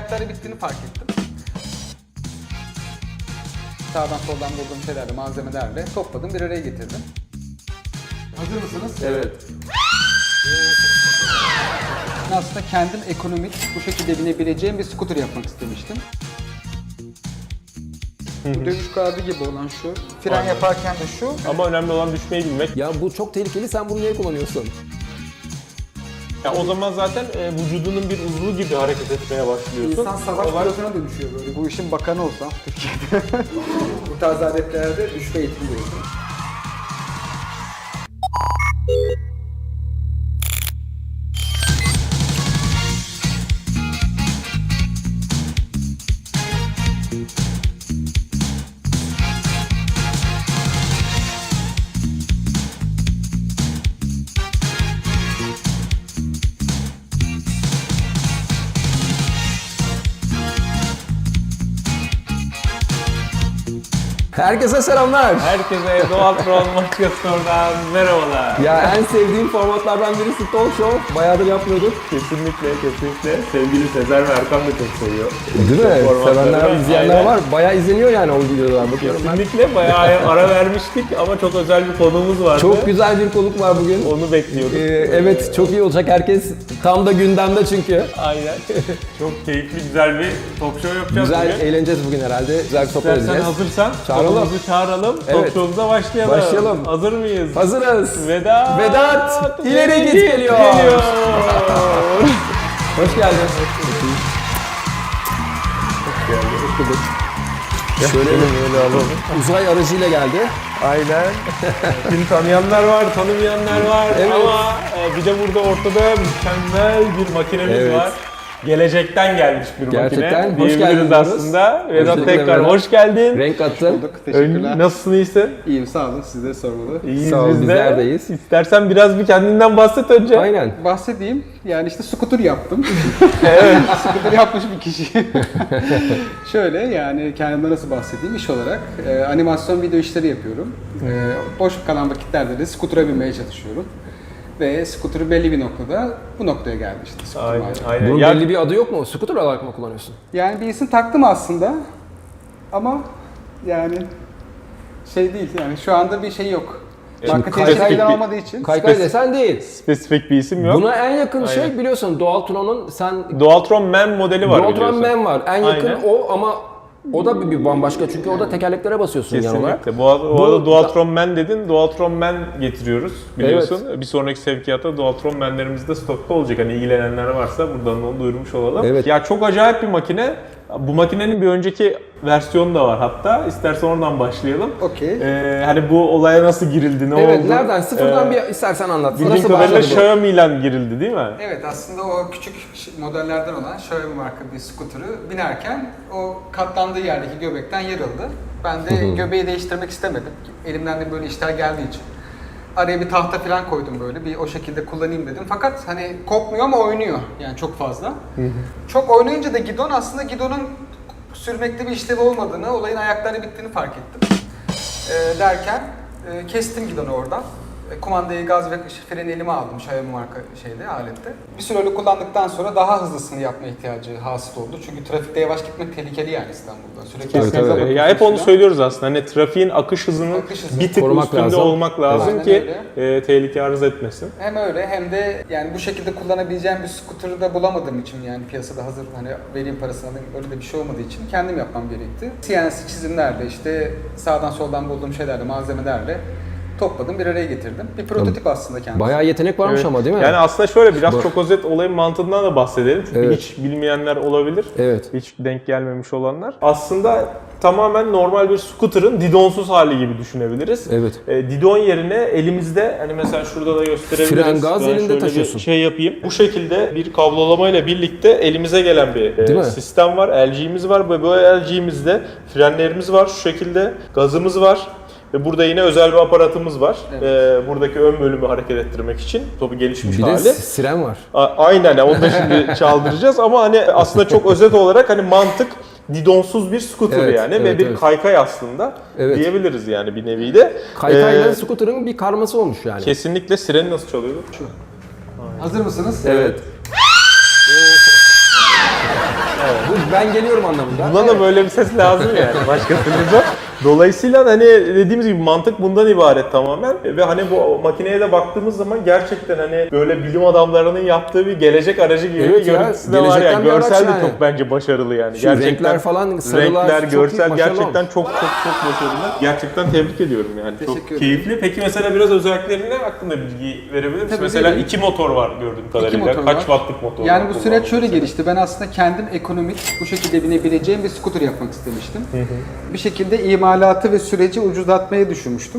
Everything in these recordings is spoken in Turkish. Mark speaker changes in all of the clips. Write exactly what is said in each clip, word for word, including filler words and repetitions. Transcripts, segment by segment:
Speaker 1: ayakları bittiğini fark ettim. Sağdan soldan bulduğum şeylerle, malzemelerle topladım, bir araya getirdim. Hazır mısınız?
Speaker 2: Evet.
Speaker 1: Aslında kendim ekonomik, bu şekilde binebileceğim bir scooter yapmak istemiştim. Bu dövüş kağıdı gibi olan şu. Fren
Speaker 3: Aynen.
Speaker 1: yaparken de şu.
Speaker 3: Ama önemli olan düşmeyi bilmek.
Speaker 2: Ya bu çok tehlikeli, sen bunu niye kullanıyorsun?
Speaker 3: Ya o zaman zaten e, vücudunun bir uzvu gibi hareket etmeye başlıyorsun.
Speaker 1: İnsan savaş
Speaker 3: Olay-
Speaker 1: pilotuna dönüşüyor böyle. Bu işin bakanı olsam Türkiye'de. Bu tarz aletlerde düşme eğitimi veriyorsun.
Speaker 2: Herkese selamlar.
Speaker 3: Herkese Doğal Troll Maçkası'ndan merhabalar.
Speaker 2: Ya en sevdiğim formatlardan birisi talk show. Bayağıdır yapmıyorduk.
Speaker 3: Kesinlikle, kesinlikle. Sevgili Sezer ve Erkan da çok seviyor.
Speaker 2: Değil mi?
Speaker 3: Formatları.
Speaker 2: Sevenler, izleyenler
Speaker 3: Aynen.
Speaker 2: var. Bayağı izleniyor yani o videolar. Bakıyorum ben.
Speaker 3: Kesinlikle bayağı ara vermiştik ama çok özel bir konuğumuz vardı.
Speaker 2: Çok güzel bir konuk var bugün.
Speaker 3: Onu bekliyorduk.
Speaker 2: Ee, evet, çok iyi olacak. Herkes tam da gündemde çünkü.
Speaker 3: Aynen. Çok keyifli, güzel bir talk show yapacağız
Speaker 2: Güzel,
Speaker 3: bugün.
Speaker 2: eğleneceğiz bugün herhalde. Güzel bir sohbet
Speaker 3: İstersen
Speaker 2: edeceğiz.
Speaker 3: hazırsan
Speaker 2: Çağıralım.
Speaker 3: konumuzu çağıralım.
Speaker 2: Evet.
Speaker 3: Talk show'umuza başlayalım.
Speaker 2: Başlayalım.
Speaker 3: Hazır mıyız?
Speaker 2: Hazırız.
Speaker 3: Vedat.
Speaker 2: Vedat, ileri git geliyor.
Speaker 3: geliyor.
Speaker 2: Hoş geldin. Şöyle
Speaker 3: Böyle alalım.
Speaker 2: uzay aracıyla geldi.
Speaker 3: Aynen. Seni tanıyanlar var, tanımayanlar var
Speaker 2: Evet.
Speaker 3: ama e, bir de burada ortada mükemmel bir makinemiz
Speaker 2: Evet.
Speaker 3: var. Gelecekten gelmiş bir
Speaker 2: Gerçekten.
Speaker 3: makine.
Speaker 2: Hoş
Speaker 3: Diyebiliriz
Speaker 2: geldin diyoruz.
Speaker 3: aslında. Vedat
Speaker 2: Öncelikle
Speaker 3: tekrar
Speaker 2: Vedat.
Speaker 3: hoş geldin.
Speaker 2: Renk attın.
Speaker 1: Teşekkürler.
Speaker 3: Ön- Nasılsın, iyisin?
Speaker 1: İyiyim, sağ olun. Sizleri sormalı.
Speaker 3: İyiyiz
Speaker 2: Sağ ol,
Speaker 3: biz de.
Speaker 2: bizler de iyiyiz.
Speaker 3: İstersen biraz bir kendinden bahset önce.
Speaker 2: Aynen.
Speaker 1: Bahsedeyim. Yani işte scooter yaptım. Evet. Scooter yapmış bir kişi. Şöyle yani kendimden nasıl bahsedeyim iş olarak. e, animasyon video işleri yapıyorum. E, boş kalan vakitlerde de scooter'a binmeye çalışıyorum. Ve scooter'ı belli bir noktada bu noktaya geldi işte scooter
Speaker 3: Aynen,
Speaker 1: maalesef.
Speaker 3: aynen.
Speaker 2: Bunun
Speaker 3: Ya-
Speaker 2: belli bir adı yok mu? Scooter olarak mı kullanıyorsun?
Speaker 1: Yani bir isim taktım aslında. Ama yani şey değil yani şu anda bir şey yok. Marka
Speaker 2: kay-
Speaker 1: tescilleri
Speaker 3: bir-
Speaker 1: olmadığı için.
Speaker 2: Kaykay desen değil.
Speaker 3: Spesifik bir isim yok.
Speaker 2: Buna en yakın
Speaker 3: Aynen.
Speaker 2: şey biliyorsun Dualtron'un sen
Speaker 3: Dualtron Man modeli var
Speaker 2: Dualtron
Speaker 3: biliyorsun.
Speaker 2: Man var. En yakın
Speaker 3: Aynen.
Speaker 2: o ama o da bir, bir bambaşka çünkü o da tekerleklere basıyorsun yan olarak.
Speaker 3: Kesinlikle. Bu, arada- bu
Speaker 2: Bu-
Speaker 3: arada Dualtron Man dedin. Dualtron Man getiriyoruz biliyorsun. Bir sonraki sevkiyatta Dualtron Man'lerimiz de stokta olacak. Hani ilgilenenler varsa buradan onu duyurmuş olalım.
Speaker 2: Evet.
Speaker 3: Ya çok acayip bir makine. Bu makinenin bir önceki versiyonu da var hatta. İstersen oradan başlayalım.
Speaker 1: Okey.
Speaker 3: Ee, hani bu olaya nasıl girildi, ne
Speaker 2: Evet,
Speaker 3: oldu?
Speaker 2: nereden? Sıfırdan
Speaker 3: Ee,
Speaker 2: bir istersen anlat.
Speaker 3: Bildiğim
Speaker 2: Nasıl
Speaker 3: kadarıyla
Speaker 2: başladı bu?
Speaker 3: Xiaomi ile girildi değil mi?
Speaker 1: Evet aslında o küçük modellerden olan Xiaomi marka bir scooter'ı binerken o katlandığı yerdeki göbekten yarıldı. Ben de göbeği değiştirmek istemedim. Elimden de böyle işler geldiği için. Araya bir tahta falan koydum böyle bir o şekilde kullanayım dedim. Fakat hani kopmuyor ama oynuyor yani çok fazla. Çok oynayınca da gidon aslında gidonun sürmekte bir işlevi olmadığını, olayın ayakları bittiğini fark ettim. Ee, derken e, kestim gidonu oradan. E, kumandayı, gaz ve freni elime aldım Xiaomi marka şeyde, alette. Bir süre öyle kullandıktan sonra daha hızlısını yapma ihtiyacı hasıl oldu. Çünkü trafikte yavaş gitmek tehlikeli yani İstanbul'da. Sürekli
Speaker 2: Tabii,
Speaker 1: hızınıza
Speaker 2: tabii.
Speaker 1: bakıyorsunuz
Speaker 3: Ya hep onu
Speaker 1: falan.
Speaker 3: söylüyoruz aslında. Hani trafiğin akış hızının
Speaker 1: Akış hızı.
Speaker 3: bir tık
Speaker 2: Korumak
Speaker 3: üstünde
Speaker 2: lazım.
Speaker 3: olmak lazım
Speaker 1: Aynen
Speaker 3: ki
Speaker 1: öyle.
Speaker 3: e, tehlike arz etmesin.
Speaker 1: Hem öyle hem de yani bu şekilde kullanabileceğim bir scooter'ı da bulamadığım için yani piyasada hazır hani vereyim parasını alayım öyle de bir şey olmadığı için kendim yapmam gerekti. C N C çizimlerle işte sağdan soldan bulduğum şeylerle, malzemelerle topladım, bir araya getirdim. Bir prototip aslında kendisi.
Speaker 2: Bayağı yetenek varmış
Speaker 3: Evet.
Speaker 2: ama değil mi?
Speaker 3: Yani aslında şöyle biraz
Speaker 2: Bu-
Speaker 3: çok özet olayın mantığından da bahsedelim. Çünkü
Speaker 2: Evet.
Speaker 3: hiç bilmeyenler olabilir.
Speaker 2: Evet.
Speaker 3: Hiç denk gelmemiş olanlar. Aslında tamamen normal bir scooter'ın didonsuz hali gibi düşünebiliriz.
Speaker 2: Evet.
Speaker 3: E, didon yerine elimizde hani mesela şurada da gösterebiliriz.
Speaker 2: Fren, gaz
Speaker 3: Ben
Speaker 2: elinde
Speaker 3: şöyle bir
Speaker 2: taşıyorsun.
Speaker 3: şey yapayım. Bu şekilde bir kablolamayla birlikte elimize gelen bir e,
Speaker 2: Değil mi?
Speaker 3: sistem var. L G'miz var ve bu L G'mizde frenlerimiz var şu şekilde. Gazımız var. Ve burada yine özel bir aparatımız var.
Speaker 1: Evet.
Speaker 3: Ee, buradaki ön bölümü hareket ettirmek için. Tabii gelişmiş
Speaker 2: Bir de
Speaker 3: hali.
Speaker 2: siren var.
Speaker 3: A- Aynen yani onu da şimdi çaldıracağız ama hani aslında çok özet olarak hani mantık didonsuz bir scooter
Speaker 2: Evet,
Speaker 3: yani
Speaker 2: evet,
Speaker 3: ve bir
Speaker 2: evet.
Speaker 3: kaykay aslında
Speaker 2: Evet.
Speaker 3: diyebiliriz yani bir nevi de.
Speaker 2: Kaykayla
Speaker 3: Ee,
Speaker 2: scooter'ın bir karması olmuş yani.
Speaker 3: Kesinlikle sireni nasıl çalıyordu?
Speaker 1: Hazır mısınız?
Speaker 2: Evet. Bu ben geliyorum anlamında.
Speaker 3: Buna da böyle bir ses lazım yani. Başka türlü zor. Dolayısıyla hani dediğimiz gibi mantık bundan ibaret tamamen. Ve hani bu makineye de baktığımız zaman gerçekten hani böyle bilim adamlarının yaptığı bir gelecek aracı gibi
Speaker 2: Evet
Speaker 3: bir
Speaker 2: ya,
Speaker 3: görüntüsü de var
Speaker 2: gelecekten
Speaker 3: yani.
Speaker 2: bir araç
Speaker 3: Görsel de
Speaker 2: yani.
Speaker 3: çok bence başarılı yani.
Speaker 2: Şu renkler falan, sarılar
Speaker 3: renkler,
Speaker 2: çok
Speaker 3: görsel
Speaker 2: başarılı
Speaker 3: gerçekten
Speaker 2: olmuş.
Speaker 3: çok çok çok başarılı. Gerçekten tebrik ediyorum yani.
Speaker 1: Teşekkür
Speaker 3: Çok
Speaker 1: ederim.
Speaker 3: keyifli. Peki mesela biraz özelliklerine hakkında bilgi verebilir misin?
Speaker 1: Tabii,
Speaker 3: Mesela
Speaker 1: vereyim.
Speaker 3: iki motor var gördüğüm kadarıyla.
Speaker 1: motor
Speaker 3: Kaç
Speaker 1: var.
Speaker 3: wattlık motor var?
Speaker 1: Yani bu süreç
Speaker 3: kullandığın
Speaker 1: şöyle
Speaker 3: mesela?
Speaker 1: gelişti. Ben aslında kendim ekonomik, bu şekilde binebileceğim bir scooter yapmak istemiştim. Bir şekilde imalatı ve süreci ucuzlatmayı düşünmüştüm.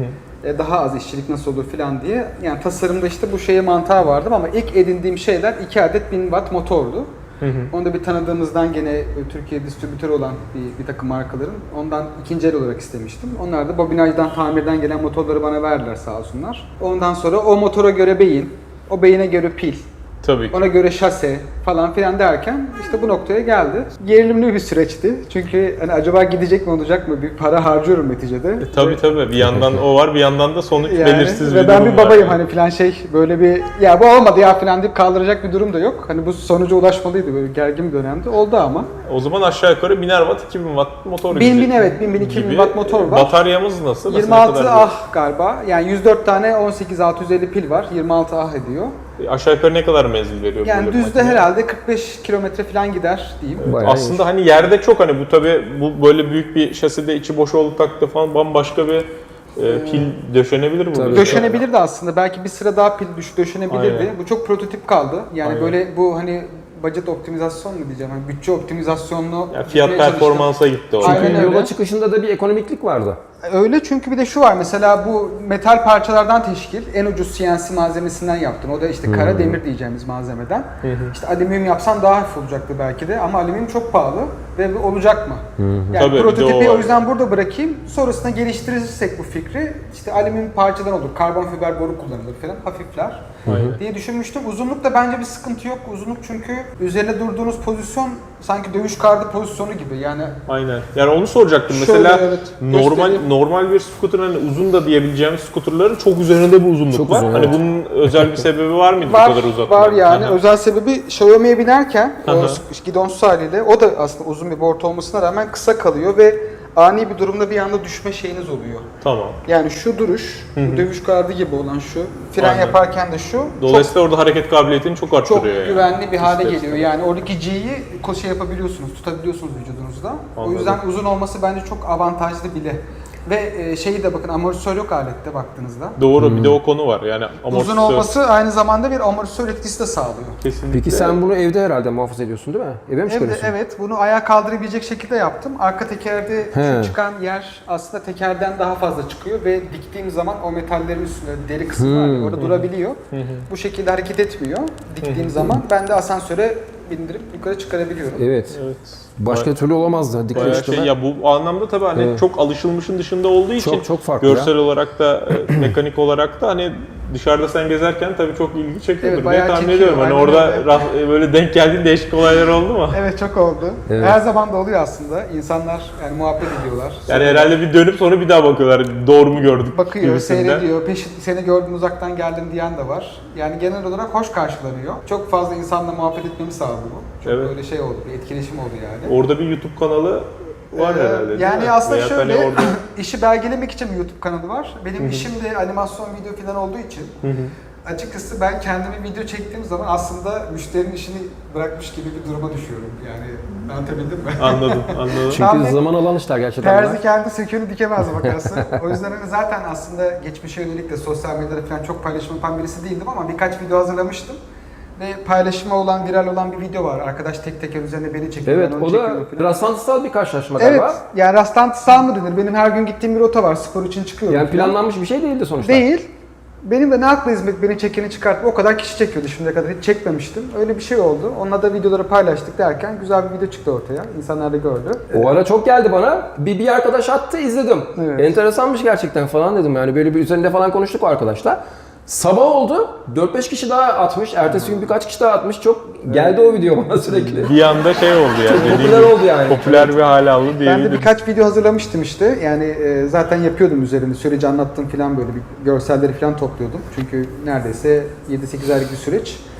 Speaker 1: E, Daha az işçilik nasıl olur falan diye. Yani tasarımda işte bu şeye mantığa vardım ama ilk edindiğim şeyler iki adet bin watt motordu. Onu da bir tanıdığımızdan gene e, Türkiye distribütörü olan bir, bir takım markaların ondan ikinci el olarak istemiştim. Onlar da bobinajdan, tamirden gelen motorları bana verdiler sağ olsunlar. Ondan sonra o motora göre beyin, o beyine göre pil,
Speaker 3: Tabii ki.
Speaker 1: ona göre şase falan filan derken işte bu noktaya geldi. Gerilimli bir süreçti. Çünkü hani acaba gidecek mi olacak mı? Bir para harcıyorum neticede.
Speaker 3: E, tabii tabii. Bir yandan o var, bir yandan da sonuç
Speaker 1: Yani,
Speaker 3: belirsiz
Speaker 1: ve
Speaker 3: bir
Speaker 1: ben
Speaker 3: durum
Speaker 1: bir
Speaker 3: var.
Speaker 1: babayım hani filan şey böyle bir ya bu olmadı ya filan deyip kaldıracak bir durum da yok. Hani bu sonuca ulaşmalıydı böyle gergin bir dönemde. Oldu ama.
Speaker 3: O zaman aşağı yukarı biner watt, iki bin watt motor
Speaker 1: bin
Speaker 3: gidecek
Speaker 1: bin evet bin bin iki bin
Speaker 3: gibi.
Speaker 1: watt motor var.
Speaker 3: Bataryamız nasıl? Nasıl,
Speaker 1: yirmi
Speaker 3: ne
Speaker 1: altı
Speaker 3: kadar
Speaker 1: ah galiba. Yani yüz dört tane on sekiz altı yüz elli pil var. yirmi altı ah ediyor.
Speaker 3: bir- Aşağı yukarı ne kadar menzil veriyor?
Speaker 1: Yani
Speaker 3: böyle bir
Speaker 1: düzde
Speaker 3: makine?
Speaker 1: herhalde kırk beş kilometre falan gider diyeyim.
Speaker 2: Bayağı
Speaker 3: Aslında hani yerde çok hani bu tabi bu böyle büyük bir şaside içi boş olduğu takdirde falan bambaşka bir e, pil döşenebilir bu.
Speaker 2: Tabii.
Speaker 1: Döşenebilirdi aslında. Belki bir sıra daha pil düş döşenebilirdi.
Speaker 3: Aynen.
Speaker 1: Bu çok prototip kaldı. Yani
Speaker 3: Aynen.
Speaker 1: böyle bu hani budget optimizasyon mu diyeceğim? Hani bütçe optimizasyonlu
Speaker 3: Yani fiyat
Speaker 1: gitmeye çalıştım.
Speaker 3: performansa gitti orada.
Speaker 1: Aynen
Speaker 2: Çünkü
Speaker 1: öyle.
Speaker 2: yola çıkışında da bir ekonomiklik vardı.
Speaker 1: Öyle çünkü bir de şu var mesela bu metal parçalardan teşkil en ucuz C N C malzemesinden yaptın. O da işte kara demir diyeceğimiz malzemeden. İşte alüminyum yapsan daha hafif olacaktı belki de ama alüminyum çok pahalı ve olacak mı? Yani
Speaker 3: Tabii, bir de
Speaker 1: prototipi
Speaker 3: o
Speaker 1: o,
Speaker 3: var.
Speaker 1: yüzden burada bırakayım. Sonrasında geliştirirsek bu fikri işte alüminyum parçadan olur. Karbon fiber boru kullanılır falan hafifler diye düşünmüştüm. Uzunlukta bence bir sıkıntı yok. Uzunluk çünkü üzerine durduğunuz pozisyon sanki dövüş kartı pozisyonu gibi. Yani
Speaker 3: Aynen. Yani onu soracaktım.
Speaker 1: Şöyle,
Speaker 3: Mesela
Speaker 1: evet,
Speaker 3: normal
Speaker 1: göstereyim.
Speaker 3: normal bir scooter hani uzun da diyebileceğimiz scooterların çok üzerinde bir uzunluk
Speaker 2: Çok
Speaker 3: var.
Speaker 2: uzun,
Speaker 3: Hani
Speaker 2: evet.
Speaker 3: bunun özel bir sebebi var mıydı
Speaker 1: var,
Speaker 3: bu kadar uzatma?
Speaker 1: var yani.
Speaker 3: Aha.
Speaker 1: Özel sebebi Xiaomi'ye binerken o
Speaker 3: Aha.
Speaker 1: gidonsuz haliyle o da aslında uzun bir board olmasına rağmen kısa kalıyor ve ani bir durumda bir anda düşme şeyiniz oluyor.
Speaker 3: Tamam.
Speaker 1: Yani şu duruş, bu dövüş gardı gibi olan şu, fren
Speaker 3: Aynen.
Speaker 1: yaparken de şu
Speaker 3: Dolayısıyla orada hareket kabiliyetini çok
Speaker 1: çok,
Speaker 3: arttırıyor
Speaker 1: çok
Speaker 3: yani.
Speaker 1: güvenli bir hale
Speaker 3: İster
Speaker 1: geliyor. Yani oradaki G'yi ko- şey yapabiliyorsunuz, tutabiliyorsunuz vücudunuzda. O
Speaker 3: Anladım.
Speaker 1: yüzden uzun olması bence çok avantajlı bile. Ve e, şeyi de bakın amortisör yok alette baktığınızda.
Speaker 3: Doğru bir de o konu var. Yani
Speaker 1: Uzun
Speaker 3: amortisör
Speaker 1: olması aynı zamanda bir amortisör etkisi de sağlıyor.
Speaker 3: kesinlikle.
Speaker 2: Peki sen bunu evde herhalde muhafaza ediyorsun değil mi? Eve mi
Speaker 1: Evet,
Speaker 2: çıkarıyorsun?
Speaker 1: evet, bunu ayağa kaldırabilecek şekilde yaptım. Arka tekerde
Speaker 2: He.
Speaker 1: şu çıkan yer aslında tekerden daha fazla çıkıyor ve diktiğim zaman o metallerin üstünde deri kısmı var ya, orada durabiliyor. Bu şekilde hareket etmiyor diktiğim zaman. Ben de asansöre bindirip yukarı çıkarabiliyorum.
Speaker 2: Evet.
Speaker 3: Evet.
Speaker 2: Başka türlü olamazdı. Dikkat
Speaker 3: Bayağı
Speaker 2: çıkma.
Speaker 3: şey ya bu anlamda tabii hani
Speaker 2: Evet.
Speaker 3: çok alışılmışın dışında olduğu için
Speaker 2: Çok, çok farklı
Speaker 3: görsel olarak da e, mekanik olarak da hani dışarıda sen gezerken tabii çok ilgi çekiyordur
Speaker 1: Evet,
Speaker 3: diye
Speaker 1: bayağı
Speaker 3: tahmin
Speaker 1: çekiyor,
Speaker 3: ediyorum. Hani
Speaker 1: aynen
Speaker 3: orada
Speaker 1: öyle.
Speaker 3: rah- e, böyle denk geldiğin değişik olaylar oldu mu?
Speaker 1: Evet, çok oldu.
Speaker 2: Evet.
Speaker 1: Her zaman da oluyor aslında. İnsanlar yani muhabbet ediyorlar.
Speaker 3: Yani
Speaker 1: Sonra
Speaker 3: herhalde bir dönüp sonra bir daha bakıyorlar. Doğru mu gördük
Speaker 1: bakıyor,
Speaker 3: gibisinden.
Speaker 1: seyrediyor, peşin seni gördüm uzaktan geldim diyen de var. Yani genel olarak hoş karşılanıyor. Çok fazla insanla muhabbet etmemi sağladı bu. Çok
Speaker 3: Evet.
Speaker 1: böyle şey oldu, bir etkileşim oldu yani.
Speaker 3: Orada bir YouTube kanalı var
Speaker 1: Ee,
Speaker 3: herhalde değil
Speaker 1: Yani
Speaker 3: mi?
Speaker 1: aslında
Speaker 3: Veya
Speaker 1: şöyle,
Speaker 3: hani orada...
Speaker 1: işi belgelemek için bir YouTube kanalı var. Benim işim de animasyon video falan olduğu için açıkçası ben kendimi video çektiğim zaman aslında müşterinin işini bırakmış gibi bir duruma düşüyorum. Yani anlatabildim mi?
Speaker 3: Anladım, anladım.
Speaker 2: Çünkü
Speaker 1: Tam bir
Speaker 2: zaman alan işler gerçekten.
Speaker 1: Terzi
Speaker 2: bunlar.
Speaker 1: kendi söküğünü dikemez bakarsın. O yüzden hani zaten aslında geçmişe yönelik de sosyal medyada falan çok paylaşım yapan birisi değildim ama birkaç video hazırlamıştım. Ve paylaşıma olan, viral olan bir video var. Arkadaş tek teker üzerine beni çekiyor.
Speaker 2: Evet,
Speaker 1: ben onu
Speaker 2: o da
Speaker 1: çekiyorum falan.
Speaker 2: rastlantısal bir karşılaşma
Speaker 1: Evet,
Speaker 2: galiba.
Speaker 1: yani rastlantısal mı denir? Benim her gün gittiğim bir rota var, spor için çıkıyorum.
Speaker 2: Yani
Speaker 1: falan.
Speaker 2: planlanmış bir şey değildi sonuçta.
Speaker 1: Değil. Benim de ne hakla hizmet beni çekeni çıkartıp o kadar kişi çekiyordu şimdiye kadar hiç çekmemiştim. Öyle bir şey oldu. Onunla da videoları paylaştık derken güzel bir video çıktı ortaya. İnsanlar da gördü.
Speaker 2: O ara çok geldi bana. Bir, bir arkadaş attı, izledim.
Speaker 1: Evet.
Speaker 2: Enteresanmış gerçekten falan dedim. Yani böyle bir üzerinde falan konuştuk o arkadaşlar. Sabah oldu. dört beş kişi daha atmış. Ertesi gün birkaç kişi daha atmış. Çok geldi o video bana sürekli.
Speaker 3: Bir anda şey oldu yani.
Speaker 2: Çok
Speaker 3: dediğin
Speaker 2: popüler
Speaker 3: gibi,
Speaker 2: oldu yani.
Speaker 3: Popüler bir hale aldı
Speaker 1: Ben
Speaker 3: diyebilirim.
Speaker 1: de birkaç video hazırlamıştım işte. Yani e, zaten yapıyordum üzerinde. Süreci anlattım falan böyle bir görselleri falan topluyordum. Çünkü neredeyse yedi sekiz aylık bir süreç.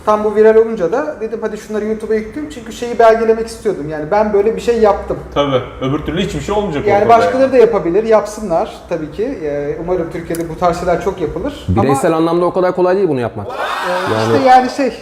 Speaker 1: Tam bu viral olunca da dedim hadi şunları YouTube'a yükleyeyim çünkü şeyi belgelemek istiyordum. Yani ben böyle bir şey yaptım.
Speaker 3: Tabii. Öbür türlü hiçbir şey olmayacak
Speaker 1: Yani
Speaker 3: ortada
Speaker 1: başkaları
Speaker 3: yani.
Speaker 1: da yapabilir, yapsınlar tabii ki. Ee, Umarım Türkiye'de bu tarz şeyler çok yapılır.
Speaker 2: Bireysel
Speaker 1: Ama
Speaker 2: anlamda o kadar kolay değil bunu yapmak.
Speaker 1: işte yani şey,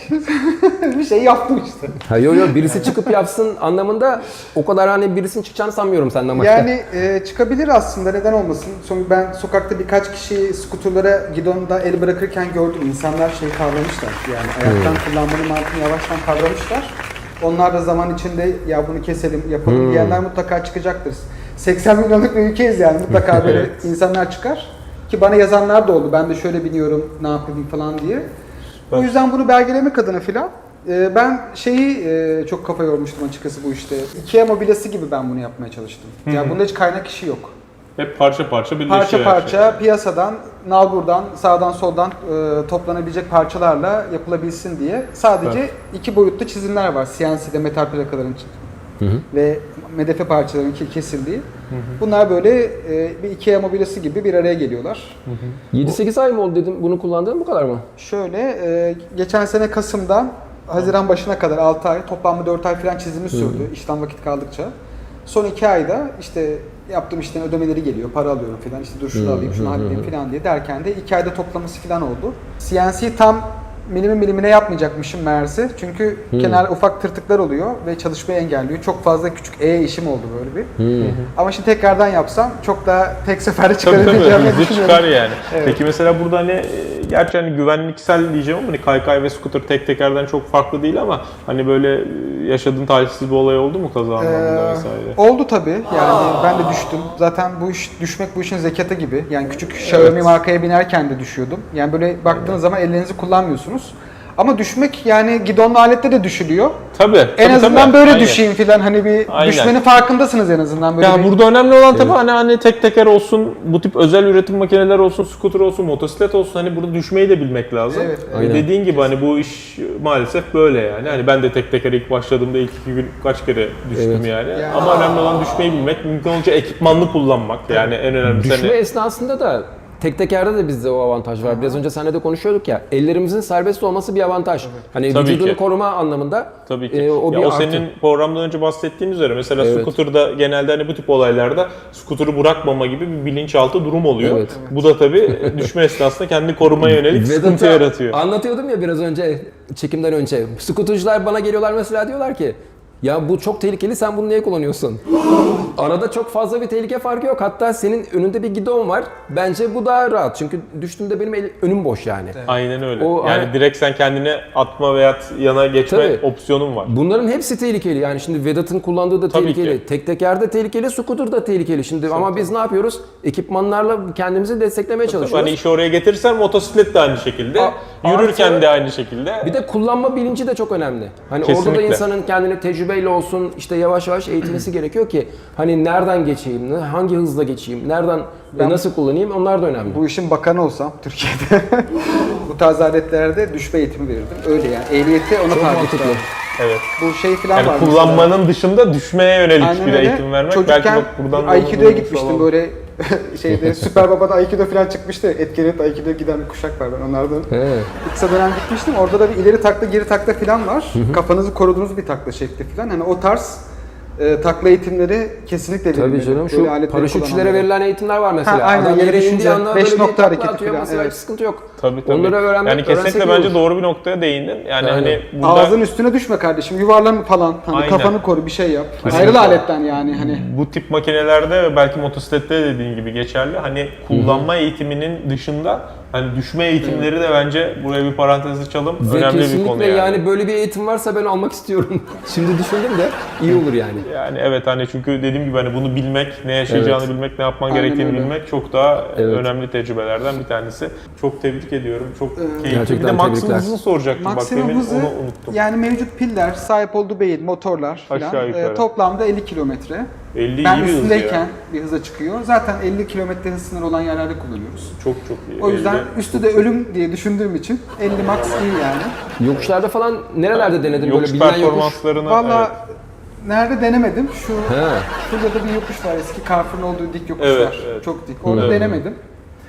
Speaker 1: bir şey yaptım işte.
Speaker 2: Ha yo yo birisi çıkıp yapsın anlamında o kadar hani birisinin çıkacağını sanmıyorum senden başka.
Speaker 1: Yani e, çıkabilir aslında, neden olmasın. Son, ben sokakta birkaç kişi skuterlara gidonda el bırakırken gördüm. İnsanlar şey kavramışlar, yani ayaktan
Speaker 2: Hmm.
Speaker 1: kullanmanın mantığını yavaştan kavramışlar. Onlar da zaman içinde ya bunu keselim, yapalım
Speaker 2: Hmm.
Speaker 1: diyenler mutlaka çıkacaktır. seksen milyonluk bir ülkeyiz yani, mutlaka böyle
Speaker 3: Evet.
Speaker 1: insanlar çıkar. Ki bana yazanlar da oldu, ben de şöyle biniyorum, ne yapayım falan diye. O yüzden bunu belgelemek adına filan e, ben şeyi e, çok kafa yormuştum açıkçası bu işte. IKEA mobilyası gibi ben bunu yapmaya çalıştım.
Speaker 3: Hı hı.
Speaker 1: Yani bunda hiç kaynak işi yok.
Speaker 3: Hep parça parça birleşiyor.
Speaker 1: Parça
Speaker 3: her
Speaker 1: parça
Speaker 3: şey.
Speaker 1: piyasadan, nalburdan, sağdan soldan e, toplanabilecek parçalarla yapılabilsin diye sadece
Speaker 3: Evet.
Speaker 1: iki boyutlu çizimler var. C N C'de metal plakaların
Speaker 2: Hı hı.
Speaker 1: ve medefe parçaların ki- kesildiği. Bunlar böyle e, bir IKEA mobilyası gibi bir araya geliyorlar.
Speaker 2: yedi sekiz ay mı oldu dedim bunu kullandığın bu kadar mı?
Speaker 1: Şöyle, e, geçen sene Kasım'dan Haziran başına kadar altı ay, toplamda dört ay falan çizimi sürdü işten vakit kaldıkça. Son iki ayda işte yaptığım işten ödemeleri geliyor, para alıyorum falan, işte dur şunu alayım, şunu halledeyim falan diye derken de iki ayda toplaması falan oldu. C N C tam milimi milimine yapmayacakmışım meğerse. Çünkü kenar ufak tırtıklar oluyor ve çalışmayı engelliyor. Çok fazla küçük E işim oldu böyle bir. Ama şimdi tekrardan yapsam çok daha tek seferde
Speaker 3: Tabii tabii
Speaker 1: çıkarabileceğimi
Speaker 3: hızlı
Speaker 1: düşünüyorum.
Speaker 3: çıkar yani.
Speaker 1: Evet.
Speaker 3: Peki mesela burada hani e, gerçi hani güvenliksel diyeceğim ama hani kaykay ve scooter tek tekerden çok farklı değil ama hani böyle e, yaşadığın talihsiz bir olay oldu mu kaza anlamında
Speaker 1: Ee,
Speaker 3: vesaire?
Speaker 1: oldu tabii. Yani ben de düştüm. Zaten bu iş düşmek bu işin zekatı gibi. Yani küçük Xiaomi markaya binerken de düşüyordum. Yani böyle baktığınız zaman ellerinizi kullanmıyorsunuz. Ama düşmek yani gidonlu alette de düşülüyor.
Speaker 3: Tabii.
Speaker 1: En
Speaker 3: tabii,
Speaker 1: azından
Speaker 3: tabii.
Speaker 1: böyle
Speaker 3: Aynen.
Speaker 1: düşeyim filan, hani bir
Speaker 3: Aynen.
Speaker 1: düşmenin farkındasınız en azından böyle.
Speaker 3: Ya
Speaker 1: bir...
Speaker 3: burada önemli olan tabii hani, hani tek teker olsun, bu tip özel üretim makineler olsun, scooter olsun, motosiklet olsun, hani burada düşmeyi de bilmek lazım.
Speaker 1: Evet,
Speaker 3: Ee,
Speaker 2: aynen.
Speaker 3: Dediğin gibi hani bu iş maalesef böyle yani. Hani ben de tek teker ilk başladığımda ilk iki gün kaç kere düştüm
Speaker 2: Evet.
Speaker 3: yani.
Speaker 1: Yani-
Speaker 3: Ama önemli olan düşmeyi bilmek, mümkün olunca ekipmanlı kullanmak yani en önemlisi.
Speaker 2: Düşme
Speaker 3: Hani,
Speaker 2: esnasında da tek tekerde de bizde o avantaj var. Biraz önce seninle de konuşuyorduk ya. Ellerimizin serbest olması bir avantaj. Hani
Speaker 3: Tabii
Speaker 2: vücudunu
Speaker 3: ki.
Speaker 2: koruma anlamında
Speaker 3: tabii ki.
Speaker 2: e, o bir
Speaker 3: ya o
Speaker 2: artı.
Speaker 3: senin programdan önce bahsettiğin üzere mesela
Speaker 2: Evet.
Speaker 3: scooter'da genelde hani bu tip olaylarda scooter'ı bırakmama gibi bir bilinçaltı durum oluyor.
Speaker 2: Evet.
Speaker 3: Bu da tabii düşme esnasında kendini korumaya yönelik sıkıntı
Speaker 2: Vedat'a
Speaker 3: yaratıyor.
Speaker 2: Anlatıyordum ya biraz önce çekimden önce. Skuterciler bana geliyorlar mesela, diyorlar ki ya bu çok tehlikeli, sen bunu niye kullanıyorsun? Arada çok fazla bir tehlike farkı yok. Hatta senin önünde bir gidon var. Bence bu daha rahat. Çünkü düştüğümde benim el- önüm boş yani.
Speaker 3: Aynen öyle.
Speaker 2: O-
Speaker 3: yani
Speaker 2: aynen.
Speaker 3: direkt sen kendine atma veya yana geçme
Speaker 2: Tabii.
Speaker 3: opsiyonun var.
Speaker 2: Bunların hepsi tehlikeli. Yani şimdi Vedat'ın kullandığı da
Speaker 3: Tabii
Speaker 2: tehlikeli.
Speaker 3: ki.
Speaker 2: Tek teker de tehlikeli, scooter da tehlikeli. Şimdi ama biz ne yapıyoruz? Ekipmanlarla kendimizi desteklemeye
Speaker 3: Tabii
Speaker 2: çalışıyoruz.
Speaker 3: hani işi oraya getirsen motosiklet de aynı şekilde,
Speaker 2: A-
Speaker 3: yürürken
Speaker 2: artı-
Speaker 3: de aynı şekilde.
Speaker 2: Bir de kullanma bilinci de çok önemli. Hani orada da
Speaker 3: Kesinlikle.
Speaker 2: insanın kendine tecrübeyle olsun, işte yavaş yavaş eğitmesi gerekiyor ki hani nereden geçeyim, ne- hangi hızla geçeyim, nereden
Speaker 1: Ben-
Speaker 2: nasıl kullanayım, onlar da önemli.
Speaker 1: Bu işin bakanı olsam Türkiye'de bu tarz aletlerde düşme eğitimi verirdim. Öyle yani. Ehliyeti ona
Speaker 2: Çok
Speaker 1: tabi
Speaker 2: mantıklı.
Speaker 1: tutardım.
Speaker 3: Evet.
Speaker 1: Bu şey falan
Speaker 3: Yani
Speaker 1: var mesela.
Speaker 3: kullanmanın dışında düşmeye yönelik
Speaker 1: Aynen
Speaker 3: bir
Speaker 1: öyle.
Speaker 3: eğitim vermek.
Speaker 1: Çocukken
Speaker 3: Belki bak buradan da
Speaker 1: Aikido'ya
Speaker 3: duymuş
Speaker 1: gitmiştim
Speaker 3: olalım.
Speaker 1: böyle şeyde Süper Baba'da Aikido falan çıkmıştı. Etkinlikte Aikido'ya giden bir kuşak var, ben onlardan.
Speaker 2: He.
Speaker 1: Kısa dönem gitmiştim. Orada da bir ileri takla geri takla falan var. Kafanızı koruduğunuz bir takla şekli falan. Hani o tarz e, takla eğitimleri kesinlikle
Speaker 2: Tabii
Speaker 1: verilmeli.
Speaker 2: canım,
Speaker 1: Böyle
Speaker 2: şu
Speaker 1: aletleri
Speaker 2: paraşütçülere
Speaker 1: kullananlara.
Speaker 2: verilen eğitimler var mesela.
Speaker 1: Ha, aynen,
Speaker 2: Adam
Speaker 1: yere
Speaker 2: yere indiği
Speaker 1: düşünce
Speaker 2: anda
Speaker 1: beş
Speaker 2: böyle bir
Speaker 1: nokta
Speaker 2: takla
Speaker 1: hareketi
Speaker 2: atıyor
Speaker 1: falan,
Speaker 2: mesela,
Speaker 1: evet.
Speaker 2: hiç sıkıntı yok.
Speaker 3: Tabii tabii.
Speaker 2: Onları öğrenmek,
Speaker 3: yani kesinlikle
Speaker 2: öğrensek iyi
Speaker 3: bence
Speaker 2: olur.
Speaker 3: doğru bir noktaya değindin. Yani
Speaker 2: Aynen.
Speaker 3: hani burada
Speaker 1: Ağzın üstüne düşme kardeşim. Yuvarlan falan. Hani
Speaker 3: Aynen.
Speaker 1: kafanı koru, bir şey yap.
Speaker 3: Kesinlikle.
Speaker 1: Ayrıl aletten yani hani.
Speaker 3: bu tip makinelerde ve belki motosiklette de dediğin gibi geçerli. Hani kullanma eğitiminin dışında hani düşme eğitimleri de bence buraya bir parantez açalım.
Speaker 2: Ve
Speaker 3: Önemli bir
Speaker 2: kesinlikle
Speaker 3: konu
Speaker 2: yani.
Speaker 3: yani.
Speaker 2: böyle bir eğitim varsa ben almak istiyorum. Şimdi düşündüm de iyi olur yani.
Speaker 3: Yani evet hani çünkü dediğim gibi hani bunu bilmek, ne yaşayacağını
Speaker 2: Evet.
Speaker 3: bilmek, ne yapman
Speaker 1: Aynen
Speaker 3: gerektiğini
Speaker 1: öyle.
Speaker 3: bilmek çok daha
Speaker 2: Evet.
Speaker 3: önemli tecrübelerden bir tanesi. Çok tebrik ediyorum. Çok keyifli. Bir de
Speaker 2: Gerçekten
Speaker 3: maksimum
Speaker 2: tebrikler.
Speaker 3: hızını soracaktım. Bak
Speaker 1: Maksimum
Speaker 3: demin
Speaker 1: hızı
Speaker 3: onu unuttum.
Speaker 1: yani mevcut piller, sahip olduğu beyin, motorlar
Speaker 3: Aşağı
Speaker 1: falan
Speaker 3: yukarı.
Speaker 1: e, toplamda elli kilometre.
Speaker 3: elli
Speaker 1: Ben
Speaker 3: iyi bir hız
Speaker 1: üstündeyken
Speaker 3: ya.
Speaker 1: bir hıza çıkıyor. Zaten elli kilometre hız sınırı olan yerlerde kullanıyoruz.
Speaker 3: Çok çok iyi.
Speaker 1: O yüzden
Speaker 3: elli.
Speaker 1: üstü de ölüm diye düşündüğüm için elli max iyi yani.
Speaker 2: Yokuşlarda falan nerelerde denedin böyle
Speaker 3: yokuş
Speaker 2: bilinen yokuş?
Speaker 3: performanslarını
Speaker 1: Valla
Speaker 3: evet.
Speaker 1: nerede denemedim? Şu
Speaker 2: He.
Speaker 1: şurada da bir yokuş var, eski Carrefour'un olduğu dik yokuş
Speaker 3: Evet,
Speaker 1: var.
Speaker 3: evet.
Speaker 1: Çok dik. Orada
Speaker 2: Hmm.
Speaker 1: denemedim.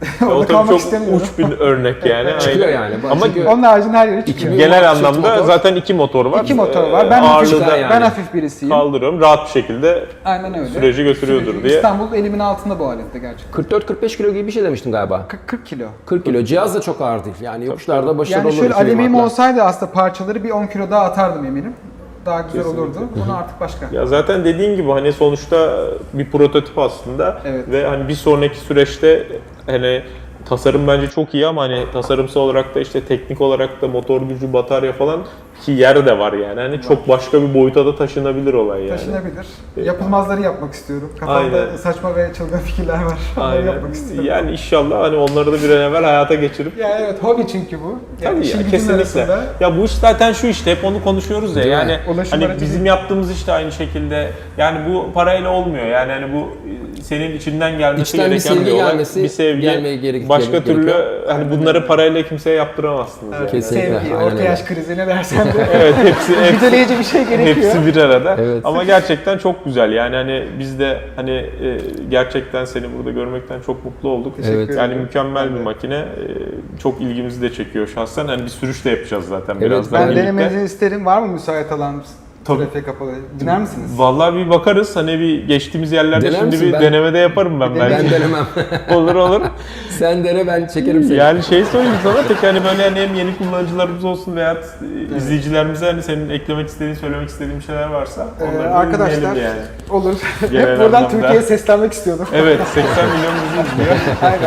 Speaker 1: Orada
Speaker 3: O tabii
Speaker 1: kalmak
Speaker 3: çok
Speaker 1: istemiyorum.
Speaker 3: uç bir örnek yani.
Speaker 2: Çıkıyor
Speaker 3: Aynen.
Speaker 2: yani.
Speaker 3: Ama
Speaker 2: Çünkü
Speaker 1: Onun haricinde her yeri çıkıyor.
Speaker 2: İki-
Speaker 3: genel
Speaker 2: Çift
Speaker 3: anlamda
Speaker 2: motor.
Speaker 3: zaten iki motor var.
Speaker 1: İki motor
Speaker 3: Ee,
Speaker 1: var. Ben hafif,
Speaker 3: ağırlığı da
Speaker 2: yani.
Speaker 1: ben hafif birisiyim.
Speaker 3: kaldırıyorum. Rahat bir şekilde
Speaker 1: Aynen öyle.
Speaker 3: süreci götürüyordur
Speaker 1: Süreci-
Speaker 3: diye.
Speaker 1: İstanbul elimin altında bu alette gerçekten.
Speaker 2: kırk dört kırk beş kilo gibi bir şey demiştin galiba.
Speaker 1: kırk, kırk kilo.
Speaker 2: kırk kilo. Cihaz da çok ağır değil. Yani yokuşlarda başarılı
Speaker 1: Yani
Speaker 2: olur.
Speaker 1: şöyle
Speaker 2: iki bin
Speaker 1: alüminyum
Speaker 2: wattla.
Speaker 1: olsaydı aslında parçaları bir on kilo daha atardım eminim. Daha güzel olurdu. Bunu artık başka.
Speaker 3: Ya zaten dediğin gibi hani sonuçta bir prototip aslında
Speaker 1: Evet.
Speaker 3: ve hani bir sonraki süreçte hani tasarım bence çok iyi ama hani tasarımsal olarak da işte teknik olarak da motor gücü, batarya falan ki yer de var yani. Hani çok başka bir boyuta da taşınabilir olay yani.
Speaker 1: Taşınabilir. Yapılmazları yapmak istiyorum. Kafamda
Speaker 3: Aynen.
Speaker 1: saçma ve çılgın fikirler var. Onları
Speaker 3: Aynen.
Speaker 1: yapmak istiyorum.
Speaker 3: Yani inşallah hani onları da bir an evvel hayata geçirip
Speaker 1: Ya evet, hobi çünkü bu. Yani
Speaker 3: Tabii
Speaker 1: işin
Speaker 3: ya,
Speaker 1: gücün
Speaker 3: kesinlikle.
Speaker 1: arasında.
Speaker 3: Ya bu iş zaten şu işte hep onu konuşuyoruz ya.
Speaker 2: Değil mi?
Speaker 3: Yani
Speaker 1: Ulaşım
Speaker 3: hani
Speaker 1: aracı
Speaker 3: bizim
Speaker 1: değil.
Speaker 3: yaptığımız iş de aynı şekilde. Yani bu parayla olmuyor. Yani hani bu e, senin içinden gelmesi
Speaker 2: İçten bir
Speaker 3: gereken
Speaker 2: sevgi
Speaker 3: olay.
Speaker 2: gelmesi,
Speaker 3: bir sevgi.
Speaker 2: gelmeye gerek-
Speaker 3: Başka
Speaker 2: gerek-
Speaker 3: türlü
Speaker 2: gerekiyor.
Speaker 3: hani bunları parayla kimseye yaptıramazsınız.
Speaker 1: Evet,
Speaker 3: Yani.
Speaker 2: Kesinlikle,
Speaker 1: sevgi,
Speaker 2: aynen
Speaker 1: orta
Speaker 2: öyle.
Speaker 1: yaş krizi ne dersen de.
Speaker 3: Evet hepsi hepsi,
Speaker 1: Müdahaleyici bir şey gerekiyor.
Speaker 3: hepsi bir arada.
Speaker 2: Evet.
Speaker 3: Ama gerçekten çok güzel. Yani hani biz de hani e, gerçekten seni burada görmekten çok mutlu olduk.
Speaker 2: Evet.
Speaker 3: Yani
Speaker 1: ederim.
Speaker 3: mükemmel
Speaker 1: Ben
Speaker 3: bir
Speaker 1: de.
Speaker 3: makine. E, çok ilgimizi de çekiyor şahsen. Hani bir sürüş de yapacağız zaten
Speaker 2: Evet,
Speaker 3: birazdan
Speaker 1: Ben
Speaker 3: birlikte.
Speaker 1: denemenizi isterim. Var mı müsait alan?
Speaker 3: Tabii.
Speaker 1: Trafiğe kapalı. Diner misiniz?
Speaker 3: Vallahi bir bakarız. Hani bir geçtiğimiz yerlerde
Speaker 2: Dener
Speaker 3: şimdi
Speaker 2: misin?
Speaker 3: bir
Speaker 2: Ben-
Speaker 3: denemede yaparım ben
Speaker 1: Bir
Speaker 3: belki.
Speaker 2: Ben denemem.
Speaker 3: olur olur.
Speaker 2: Sen dene, ben çekerim seni.
Speaker 3: Yani şey söyleyeyim sana tek hani böyle hani hem yeni kullanıcılarımız olsun veya izleyicilerimize hani senin eklemek istediğin, söylemek istediğin bir şeyler varsa
Speaker 1: Ee,
Speaker 3: onları da
Speaker 1: arkadaşlar
Speaker 3: dinleyelim yani.
Speaker 1: olur.
Speaker 3: Genel
Speaker 1: Hep buradan
Speaker 3: anlamda.
Speaker 1: Türkiye'ye seslenmek istiyordum.
Speaker 3: Evet seksen milyon bizi izliyor.
Speaker 1: Aynen.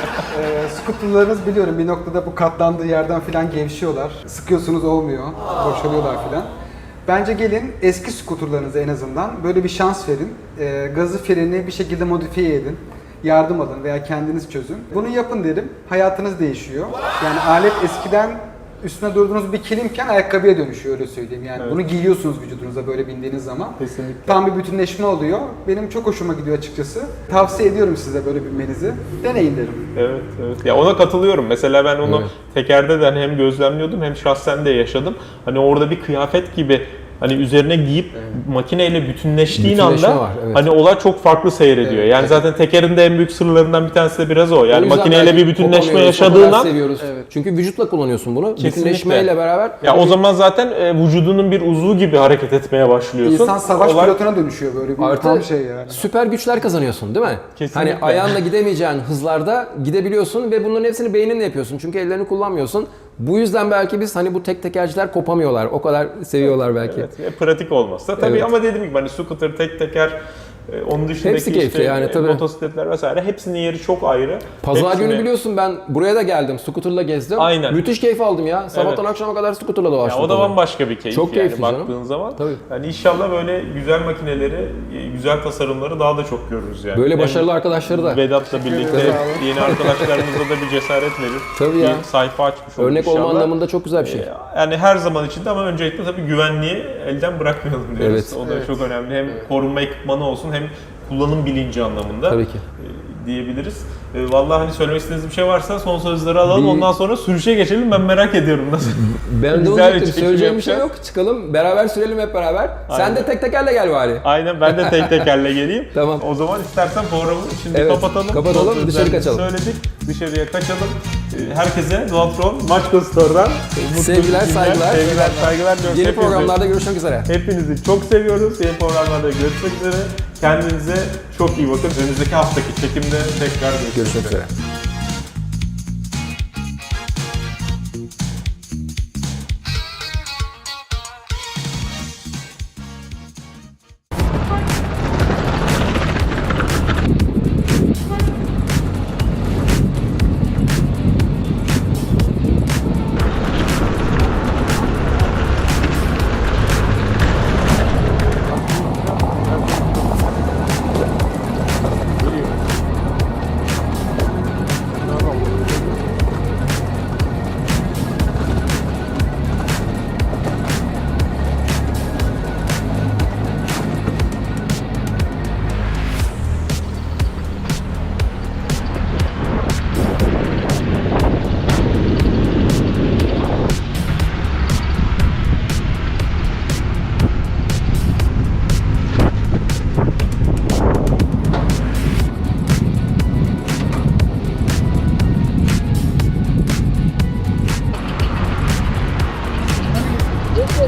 Speaker 1: Ee, skuterlarınız biliyorum bir noktada bu katlandığı yerden filan gevşiyorlar. Sıkıyorsunuz olmuyor. Boşalıyorlar filan. Bence gelin eski skuterlarınıza en azından böyle bir şans verin. Ee, gazı freni bir şekilde modifiye edin. Yardım alın veya kendiniz çözün. Bunu yapın derim. Hayatınız değişiyor. Yani alet eskiden üstüne durduğunuz bir kilimken ayakkabıya dönüşüyor öyle söyleyeyim. Yani
Speaker 3: Evet.
Speaker 1: bunu giyiyorsunuz vücudunuza böyle bindiğiniz zaman.
Speaker 3: Kesinlikle.
Speaker 1: Tam bir bütünleşme oluyor. Benim çok hoşuma gidiyor açıkçası. Tavsiye ediyorum size böyle binmenizi. Deneyin derim.
Speaker 3: Evet, evet. Ya ona katılıyorum. Mesela ben onu
Speaker 2: Evet.
Speaker 3: tekerde de hani hem gözlemliyordum hem şahsen de yaşadım. Hani orada bir kıyafet gibi hani üzerine giyip makineyle bütünleştiğin
Speaker 2: Bütünleşme
Speaker 3: anda
Speaker 2: var, evet.
Speaker 3: hani olay çok farklı seyrediyor.
Speaker 1: Evet,
Speaker 3: yani
Speaker 1: evet.
Speaker 3: zaten tekerin de en büyük sırlarından bir tanesi de biraz o.
Speaker 2: O
Speaker 3: Yani
Speaker 2: yüzden
Speaker 3: makineyle
Speaker 2: belki
Speaker 3: bir bütünleşme
Speaker 2: kopamıyoruz, o
Speaker 3: yaşadığın
Speaker 2: kadar
Speaker 3: an
Speaker 2: seviyoruz.
Speaker 1: Evet.
Speaker 2: Çünkü vücutla kullanıyorsun bunu.
Speaker 3: Kesinlikle.
Speaker 2: Bütünleşmeyle beraber.
Speaker 3: ya o zaman zaten e, vücudunun bir uzvu gibi hareket etmeye başlıyorsun.
Speaker 1: İnsan savaş
Speaker 3: Olay-
Speaker 1: pilotuna dönüşüyor böyle bir
Speaker 2: Artı
Speaker 1: tam şey yani.
Speaker 2: süper güçler kazanıyorsun değil mi?
Speaker 3: Kesinlikle.
Speaker 2: Hani ayağınla gidemeyeceğin hızlarda gidebiliyorsun ve bunların hepsini beyninle yapıyorsun. Çünkü ellerini kullanmıyorsun. Bu yüzden belki biz hani bu tek tekerciler kopamıyorlar. O kadar seviyorlar belki.
Speaker 3: Evet, ve pratik olmazsa tabii
Speaker 2: Evet.
Speaker 3: ama dediğim gibi hani scooter, tek teker, e, onun dışındaki
Speaker 2: Hepsi keyifli
Speaker 3: işte,
Speaker 2: yani,
Speaker 3: e,
Speaker 2: tabii.
Speaker 3: motosikletler vesaire hepsinin yeri çok ayrı.
Speaker 2: Pazar
Speaker 3: Hepsini-
Speaker 2: günü biliyorsun ben buraya da geldim. Scooter'la gezdim.
Speaker 3: Aynen.
Speaker 2: Müthiş keyif aldım ya. Sabahtan
Speaker 3: Evet.
Speaker 2: akşama kadar scooter'la
Speaker 3: Ya
Speaker 2: dolaştım.
Speaker 3: o da
Speaker 2: tabii.
Speaker 3: bambaşka bir keyif
Speaker 2: Çok
Speaker 3: yani
Speaker 2: keyifli canım.
Speaker 3: baktığın zaman.
Speaker 2: Tabii.
Speaker 3: Yani inşallah böyle güzel makineleri, e, güzel tasarımları daha da çok görürüz yani.
Speaker 2: Böyle
Speaker 3: Hem
Speaker 2: başarılı arkadaşları da.
Speaker 3: Vedat'la birlikte
Speaker 1: ederim. Sağ olun.
Speaker 3: yeni arkadaşlarımıza da bir cesaret verir.
Speaker 2: Tabii ya.
Speaker 3: Bir sayfa açmış olur
Speaker 2: Örnek
Speaker 3: inşallah.
Speaker 2: olma anlamında çok güzel bir şey.
Speaker 3: Ee, Yani her zaman içinde ama öncelikle tabii güvenliği elden bırakmayalım diyoruz.
Speaker 2: Evet.
Speaker 3: O da
Speaker 1: Evet.
Speaker 3: çok önemli. Hem korunma ekipmanı olsun hem kullanım bilinci anlamında.
Speaker 2: Tabii ki.
Speaker 3: e, diyebiliriz. E, Vallahi hani söylemek istediğiniz bir şey varsa son sözleri alalım.
Speaker 2: Bir-
Speaker 3: Ondan sonra sürüşe geçelim. Ben merak ediyorum nasıl.
Speaker 2: Ben de
Speaker 3: Güzel
Speaker 2: onu
Speaker 3: bir
Speaker 2: diyecektim.
Speaker 3: çekim
Speaker 2: Söyleyeceğim bir şey
Speaker 3: yapacağız.
Speaker 2: yok. Çıkalım. Beraber sürelim hep beraber. Sen
Speaker 3: Aynen.
Speaker 2: de tek tekerle gel bari.
Speaker 3: Aynen ben de tek tekerle geleyim.
Speaker 2: Tamam.
Speaker 3: O zaman istersen programı şimdi
Speaker 2: Evet,
Speaker 3: kapatalım.
Speaker 2: kapatalım,
Speaker 3: Son
Speaker 2: dışarı
Speaker 3: sözlerimizi
Speaker 2: kaçalım.
Speaker 3: Söyledik. Dışarıya kaçalım. E, Herkese Dualtron Maçka Store'dan mutlu
Speaker 2: Sevgiler,
Speaker 3: günler,
Speaker 2: saygılar.
Speaker 3: Sevgiler, saygılar diliyoruz.
Speaker 2: Yeni
Speaker 3: Hepinize.
Speaker 2: programlarda görüşmek üzere.
Speaker 3: Hepinizi çok seviyoruz. Yeni programlarda görüşmek üzere. Kendinize çok iyi bakın. Önümüzdeki haftaki çekimde tekrar görüşmek,
Speaker 2: Görüşmek
Speaker 3: üzere.
Speaker 2: üzere.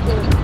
Speaker 4: Thank you.